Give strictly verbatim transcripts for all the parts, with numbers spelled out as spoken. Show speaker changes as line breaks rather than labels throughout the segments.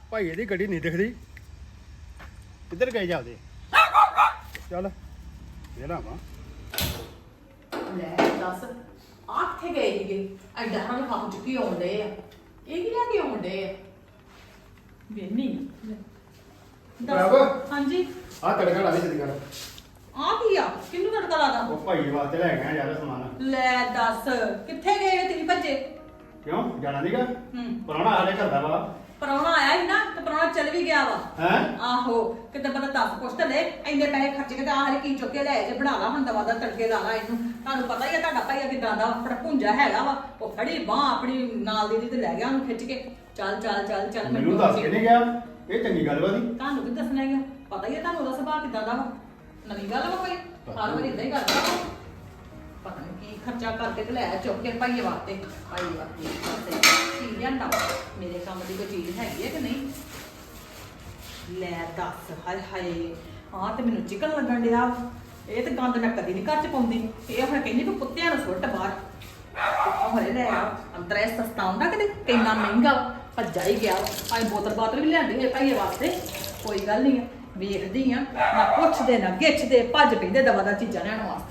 ਭਾਈ ਇਹਦੀ ਗੱਡੀ ਨਹੀਂ ਦਿਖਦੀ ਕਿੱਧਰ ਗਏ ਜਾਂਦੇ ਚੱਲ ਇਹ ਨਾ ਵਾ
ਲੈ ਦੱਸ ਆ ਕਿੱਥੇ ਗਏ ਸੀਗੇ ਐਡਾ ਹਾਂ ਹੱਥ ਚੁੱਕੀ ਆਉਂਦੇ ਆ ਇਹ ਕੀ ਲੈ ਕੇ ਆਉਂਦੇ ਆ ਵੇਨੀ
ਬਰਾਬਰ।
ਹਾਂਜੀ
ਆ ਤੜਕਾ ਲਾ ਦੇ ਜਲਦੀ ਕਰ
ਆ ਕੀ ਆ ਕਿੰਨੂੰ ਤੜਕਾ ਲਾਦਾ
ਉਹ ਭਾਈ ਵਾਸਤੇ ਲੈ ਗਿਆ ਯਾਰ ਸਮਾਨ
ਲੈ ਦੱਸ ਕਿੱਥੇ ਗਏ ਤੁਸੀਂ ਭੱਜੇ
ਕਿਉਂ ਜਾਣਾ ਨਹੀਂਗਾ
ਹੂੰ
ਪੁਰਾਣਾ ਸਾਡੇ ਘਰ ਦਾ ਵਾ
ਪਰੌਣਾ ਆਇਆ ਸੀ ਨਾ ਤੇ ਪਰੌਣਾ ਚੱਲ ਵੀ ਗਿਆ ਵਾ
ਹੈ
ਆਹੋ ਕਿਤੇ ਬੰਦਾ ਦਸ ਪੁੱਛ ਤੇ ਲੈ ਇੰਨੇ ਪੈਸੇ ਖਰਚ ਕੇ ਤੇ ਆਹ ਹਰੇ ਕੀ ਚੁੱਕ ਕੇ ਲੈ ਜੇ ਬਣਾ ਲਾ ਹੁਣ ਦਵਾ ਦਾ ਤੜਕੇ ਲਾ ਲਾ ਇਹਨੂੰ ਤੁਹਾਨੂੰ ਪਤਾ ਹੀ ਆ ਤੁਹਾਡਾ ਭਾਈ ਕਿਦਾਂ ਦਾ ਆਪਣਾ ਭੁੰਜਾ ਹੈਗਾ ਵਾ ਉਹ ਫੜੀ ਬਾਹ ਆਪਣੀ ਨਾਲ ਦੀ ਦੀ ਤੇ ਲੈ ਗਿਆ ਉਹਨੂੰ ਖਿੱਚ ਕੇ ਚੱਲ ਚੱਲ ਚੱਲ ਚੱਲ
ਮੈਨੂੰ ਦੱਸ ਕੇ ਨਹੀਂ ਗਿਆ ਇਹ ਚੰਗੀ ਗੱਲ ਵਾ ਦੀ
ਤੁਹਾਨੂੰ ਕੀ ਦੱਸਣਾ ਹੈਗਾ ਪਤਾ ਹੀ ਆ ਤੁਹਾਨੂੰ ਉਹਦਾ ਸੁਭਾਅ ਕਿਦਾਂ ਦਾ ਵਾ ਨਵੀਂ ਗੱਲ ਵਾ ਕੋਈ ਹਰ ਵਾਰੀ ਇਦਾਂ ਹੀ ਕਰਦਾ ਵਾ। ਪਤਾ ਨਹੀਂ ਕੀ ਖਰਚਾ ਕਰਕੇ ਤੇ ਲੈ ਆਇਆ ਚੁੱਕ ਕੇ ਭਾਈਏ ਵਾਸਤੇ ਭਾਈ ਵਾਸਤੇ ਕੀ ਲਿਆਂਦਾ ਵਾ? ਮੇਰੇ ਕੰਮ ਦੀ ਕੋਈ ਚੀਜ਼ ਹੈਗੀ ਹੈ ਕਿ ਨਹੀਂ ਲੈ ਦੱਸ ਹਾਏ ਹਾਏ ਆਹ ਤੇ ਮੈਨੂੰ ਚਿਕਨ ਲੱਗਣ ਡਿਆ ਵਾ। ਇਹ ਤੇ ਗੰਦ ਮੈਂ ਕਦੀ ਨਹੀਂ ਘਰ ਚ ਪਾਉਂਦੀ ਇਹ ਹੁਣ ਕਹਿੰਦੀ ਵੀ ਕੁੱਤਿਆਂ ਨੂੰ ਸੁੱਟ ਬਾਹਰ ਹਰੇ ਲੈ ਆ ਅੰਤਰਾ ਇਹ ਸਸਤਾ ਹੁੰਦਾ ਕਿਤੇ ਕਿੰਨਾ ਮਹਿੰਗਾ ਵਾ। ਭੱਜਾ ਹੀ ਗਿਆ ਆਏ ਬੋਤਲ ਬਾਤਲ ਵੀ ਲਿਆਂਦੀ ਹੈ ਭਾਈਏ ਵਾਸਤੇ ਕੋਈ ਗੱਲ ਨਹੀਂ ਆ ਵੇਖਦੀ ਆ ਨਾ ਪੁੱਛਦੇ ਨਾ ਗਿੱਛਦੇ ਭੱਜ ਪੈਂਦੇ ਦਵਾ ਦਾ ਚੀਜ਼ਾਂ ਲੈਣ ਵਾਸਤੇ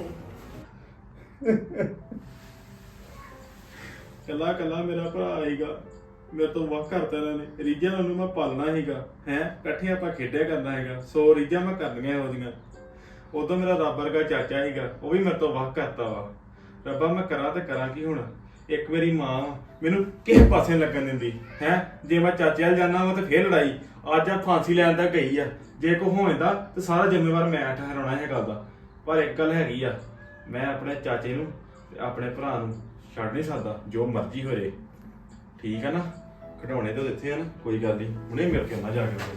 ਕੱਲਾ ਕੱਲਾ ਮੇਰਾ ਭਰਾ ਆਏਗਾ ਮੇਰੇ ਤੋਂ ਵੱਖ ਕਰਤਾ ਇਹਨਾਂ ਨੇ ਰੀਝਾਂ ਨੂੰ ਮੈਂ ਪਾਲਣਾ ਹੈਗਾ ਹੈ ਇਕੱਠੇ ਆਪਾਂ ਖੇਡਿਆ ਕਰਨਾ ਹੈਗਾ ਸੌ ਰੀਝਾਂ ਮੈਂ ਕਰਨੀਆਂ ਉਹਦੀਆਂ ਉਦੋਂ ਮੇਰਾ ਰੱਬ ਵਰਗਾ ਚਾਚਾ ਹੈਗਾ ਉਹ ਵੀ ਮੇਰੇ ਤੋਂ ਵੱਖ ਕਰਤਾ ਵਾ ਰੱਬਾ ਮੈਂ ਕਰਾਂ ਤੇ ਕਰਾਂ ਕੀ ਹੁਣ ਇੱਕ ਵਾਰੀ ਮਾਂ ਮੈਨੂੰ ਕਿਸੇ ਪਾਸੇ ਲੱਗਣ ਦਿੰਦੀ ਹੈ ਜੇ ਮੈਂ ਚਾਚੇ ਵੱਲ ਜਾਣਾ ਵਾ ਤੇ ਫੇਰ ਲੜਾਈ ਅੱਜ ਆ ਫਾਂਸੀ ਲੈਣ ਦਾ ਗਈ ਆ ਜੇ ਕੋ ਹੋ ਜਾਂਦਾ ਤੇ ਸਾਰਾ ਜ਼ਿੰਮੇਵਾਰ ਮੈਂ ਠਹਿਰਾਉਣਾ ਹੈ ਗੱਲ ਦਾ ਪਰ ਇੱਕ ਗੱਲ ਹੈਗੀ ਆ ਮੈਂ ਆਪਣੇ ਚਾਚੇ ਨੂੰ ਤੇ ਆਪਣੇ ਭਰਾ ਨੂੰ ਛੱਡ ਨਹੀਂ ਸਕਦਾ ਜੋ ਮਰਜ਼ੀ ਹੋਏ ਠੀਕ ਆ ਨਾ ਖਿਡੌਣੇ ਤਾਂ ਦਿੱਤੇ ਆ ਨਾ ਕੋਈ ਗੱਲ ਨਹੀਂ ਹੁਣੇ ਮਿਲ ਕੇ ਆਉਣਾ ਜਾ ਕੇ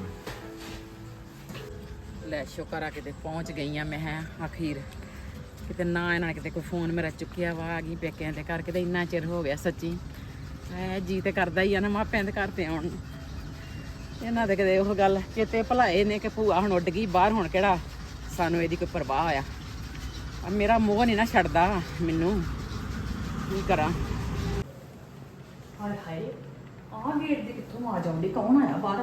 ਲੈ ਸ਼ੁਕਰ ਆ ਕਿਤੇ ਪਹੁੰਚ ਗਈ ਆ ਮੈਂ ਹੈ ਅਖੀਰ ਕਿਤੇ ਨਾ ਇਹਨਾਂ ਨੇ ਕਿਤੇ ਕੋਈ ਫੋਨ ਮੇਰਾ ਚੁੱਕਿਆ ਵਾ ਆ ਗਈ ਪੇਕਿਆਂ ਦੇ ਘਰ ਕਿਤੇ ਇੰਨਾ ਚਿਰ ਹੋ ਗਿਆ ਸੱਚੀ ਐ ਜੀ ਤੇ ਕਰਦਾ ਹੀ ਆ ਨਾ ਮਾਪਿਆਂ ਦੇ ਘਰ ਤੇ ਆਉਣ ਨੂੰ ਇਹਨਾਂ ਦੇ ਕਿਤੇ ਉਹ ਗੱਲ ਚੇਤੇ ਭੁਲਾਏ ਨੇ ਕਿ ਭੂਆ ਹੁਣ ਉੱਡ ਗਈ ਬਾਹਰ ਹੁਣ ਕਿਹੜਾ ਸਾਨੂੰ ਇਹਦੀ ਕੋਈ ਪਰਵਾਹ ਆ ਆ ਮੇਰਾ ਮੋਹ ਨਹੀਂ ਨਾ ਛੱਡਦਾ ਮੈਨੂੰ ਕੀ ਕਰਾਂ
ਹਾਏ ਹਾਏ ਆਹ ਗੇਟ ਦੀ ਕਿੱਥੋਂ ਆਵਾਜ਼ ਆਉਂਦੀ ਕੌਣ ਆਇਆ ਬਾਹਰ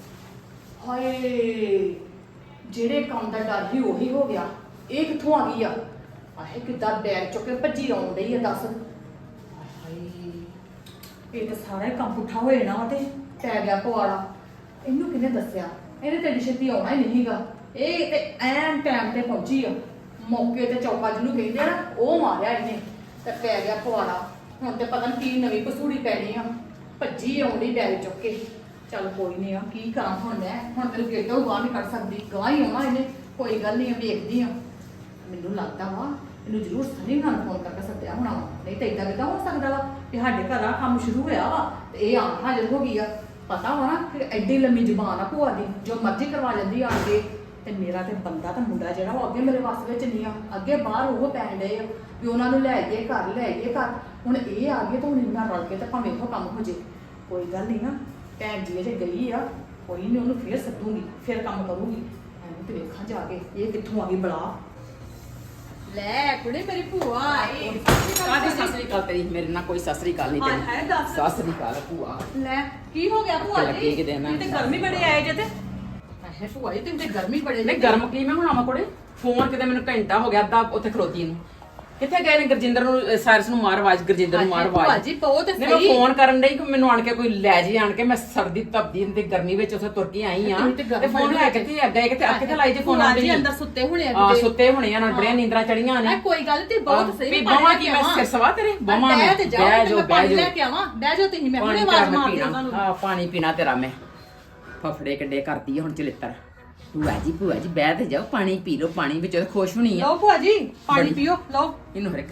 ਹਾਏ ਜਿਹੜੇ ਕੰਮ ਦਾ ਡਰ ਹੀ ਉਹੀ ਹੋ ਗਿਆ ਇਹ ਕਿੱਥੋਂ ਆ ਗਈ ਆ ਆਹੇ ਕਿੱਦਾਂ ਬੈਗ ਚੁੱਕ ਕੇ ਭੱਜੀ ਆਉਣ ਡਈ ਆ ਦੱਸ ਹਾਏ ਇਹ ਤਾਂ ਸਾਰਾ ਹੀ ਕੰਮ ਪੁੱਠਾ ਹੋਏ ਨਾ ਤੇ ਪੈ ਗਿਆ ਪਵਾੜਾ ਇਹਨੂੰ ਕਿਹਨੇ ਦੱਸਿਆ ਇਹਨੇ ਤੇ ਛੇਤੀ ਆਉਣਾ ਹੀ ਨਹੀਂਗਾ ਇਹ ਤੇ ਐਨ ਟਾਈਮ ਤੇ ਪਹੁੰਚੀ ਆ ਮੌਕੇ ਤੇ ਚੌਕਾ ਜਿਹਨੂੰ ਕਹਿੰਦੇ ਆ ਨਾ ਉਹ ਮਾਰਿਆ ਇਹਨੇ ਤੇ ਪੈ ਗਿਆ ਪਵਾੜਾ ਹੁਣ ਤੇ ਪਤਾ ਨਹੀਂ ਕੀ ਨਵੀਂ ਪਸੂੜੀ ਪੈਣੀ ਆ ਭੱਜੀ ਆਉਂਦੀ ਬੈਗ ਚੁੱਕ ਕੇ ਚੱਲ ਕੋਈ ਨਹੀਂ ਆ ਕੀ ਕਰਾਂ ਹੁਣ ਮੈਂ ਹੁਣ ਤੈਨੂੰ ਗੇਟੋਂ ਬਾਹਰ ਨਹੀਂ ਕੱਢ ਸਕਦੀ ਗਾਹ ਹੀ ਆਉਣਾ ਇਹਨੇ ਕੋਈ ਗੱਲ ਨਹੀਂ ਵੇਖਦੀ ਆ ਮੈਨੂੰ ਲੱਗਦਾ ਵਾ ਇਹਨੂੰ ਜ਼ਰੂਰ ਸਨੀ ਨਾਲ ਫੋਨ ਕਰਕੇ ਸੱਦਿਆ ਹੋਣਾ ਵਾ ਨਹੀਂ ਤਾਂ ਇਦਾਂ ਕਿਦਾਂ ਹੋ ਸਕਦਾ ਵਾ ਕਿ ਸਾਡੇ ਘਰ ਆ ਕੰਮ ਸ਼ੁਰੂ ਹੋਇਆ ਵਾ ਤੇ ਇਹ ਆ ਹਾਜ਼ਰ ਹੋ ਗਈ ਆ ਪਤਾ ਵਾ ਨਾ ਕਿ ਐਡੀ ਲੰਮੀ ਜ਼ੁਬਾਨ ਆ ਭੂਆ ਦੀ ਜੋ ਮਰਜ਼ੀ ਕਰਵਾ ਲੈਂਦੀ ਆ ਕੇ ਤੇ ਮੇਰਾ ਤੇ ਬੰਦਾ ਤਾਂ ਮੁੰਡਾ ਜਿਹੜਾ ਉਹ ਅੱਗੇ ਮੇਰੇ ਵੱਸ ਵਿੱਚ ਨਹੀਂ ਆ ਅੱਗੇ ਬਾਹਰ ਉਹ ਪੈਣ ਡਏ ਆ ਵੀ ਉਹਨਾਂ ਨੂੰ ਲੈ ਗਏ ਘਰ ਲੈ ਗਏ ਘਰ ਹੁਣ ਇਹ ਆ ਗਏ ਤਾਂ ਹੁਣ ਇਹਨਾਂ ਰਲ ਕੇ ਤੇ ਭਾਵੇਂ ਇਹੋ ਕੰਮ ਹੋ ਜੇ ਕੋਈ ਗੱਲ ਨਹੀਂ ਨਾ ਭੈਣ ਜੀ ਜੇ ਗਈ ਆ ਕੋਈ ਨਹੀਂ ਉਹਨੂੰ ਫੇਰ ਸੱਦੂਗੀ ਫੇਰ ਕੰਮ ਕਰੂਗੀ ਐਵੇਂ ਤੇ ਵੇਖਾਂ ਜਾ ਕੇ ਇਹ ਕਿੱਥੋਂ ਆ ਗਈ ਬਲਾ ਲੈ ਕੁੜੇ ਮੇਰੀ ਭੂਆ ਆਈ
ਕਾਹਦੀ ਸਤਿ ਸ੍ਰੀ ਅਕਾਲ ਤੇਰੀ ਮੇਰੇ ਨਾਲ ਕੋਈ ਸਤਿ ਸ੍ਰੀ ਅਕਾਲ ਨਹੀਂ
ਹਾਏ ਹਾਏ ਦੱਸ।
ਸਤਿ ਸ੍ਰੀ ਅਕਾਲ ਭੂਆ
ਲੈ ਕੀ ਹੋ ਗਿਆ ਭੂਆ
ਲੱਗੀ
ਜੀ
ਕਿਤੇ ਨਾ।
ਤੁਸੀਂ ਤੇ ਗਰਮੀ ਬੜੇ ਆਏ ਜੇ ਤੇ ਹੈ ਭੂਆ ਜੀ ਤੁਸੀਂ ਤੇ ਗਰਮੀ ਬੜੇ
ਨਹੀਂ ਗਰਮ ਕੀ ਮੈਂ ਹੁਣ ਆਵਾਂ ਕੋੜੇ ਫੋਨ ਕਿਤੇ ਮੈਨੂੰ ਘੰਟਾ ਹੋ ਗਿਆ ਅੱਧਾ ਉੱਥੇ ਖਲੋਤੀ ਨੂੰ ਕਿੱਥੇ ਗਏ ਨੇ ਗੁਰਜਿੰਦਰ ਨੂੰ ਸਾਇਰਸ ਨੂੰ ਮਾਰ ਆਵਾਜ਼ ਗੁਰਜਿੰਦਰ ਨੂੰ ਮਾਰ ਆਵਾਜ਼
ਭੂਆ ਜੀ ਬਹੁਤ ਤੇ
ਨਹੀਂ ਮੈਂ ਫੋਨ ਕਰਨ ਡਈ ਕਿ ਮੈਨੂੰ ਆਣ ਕੇ ਕੋਈ ਲੈ ਜੀ ਆਣ ਕੇ ਮੈਂ ਸਰਦੀ ਤਪਦੀ ਤੇ ਗਰਮੀ ਵਿੱਚ ਉੱਥੇ ਤੁਰ ਕੇ ਆਈ ਆ ਤੇ ਫੋਨ ਲੈ ਕੇ ਕਿੱਥੇ ਗਏ ਕਿੱਥੇ ਅੱਗੇ ਤੇ ਲਾਈ ਜੇ ਫੋਨ
ਆਂਦੇ ਜੀ ਅੰਦਰ ਸੁੱਤੇ ਹੋਣੇ ਆ
ਆ ਸੁੱਤੇ ਹੋਣੇ ਆ ਨਾਲ ਬੜੀਆਂ ਨੀਂਦਰਾਂ ਚੜੀਆਂ ਨੇ
ਕੋਈ ਗੱਲ ਤੇ ਬਹੁਤ ਸਹੀ
ਵੀ ਬਾਵਾ ਕੀ ਮੈਂ ਸਿਰ ਸਵਾ ਤੇਰੇ ਬਾਵਾ ਮੈਂ
ਤੇ ਜਾਓ ਤੇ ਮੈਂ ਪਾਣੀ ਲੈ ਕੇ ਆਵਾਂ ਬਹਿ ਜਾਓ ਤੁਸੀਂ ਮੈਂ ਹੁਣੇ ਆਵਾਜ਼ ਮਾਰਦੀ ਉਹਨਾਂ ਨੂੰ
ਆ ਪਾਣੀ ਪੀਣਾ ਤੇਰਾ ਮੈਂ ਫਫੜੇ ਕੱਡੇ ਕਰਦੀ ਆ ਹੁਣ ਚਲਿੱਤਰ ਭੂਆ ਜੀ ਭੂਆ ਜੀ ਬਹਿ ਤੇ ਜਾਓ ਪਾਣੀ ਪੀ ਲਓ ਪਾਣੀ ਵਿੱਚ ਖੁਸ਼ ਹੋਣੀ ਆ
ਲਓ ਭੂਆ ਜੀ ਪਾਣੀ ਪੀਓ ਲਓ
ਇਹਨੂੰ ਹਰ ਇੱਕ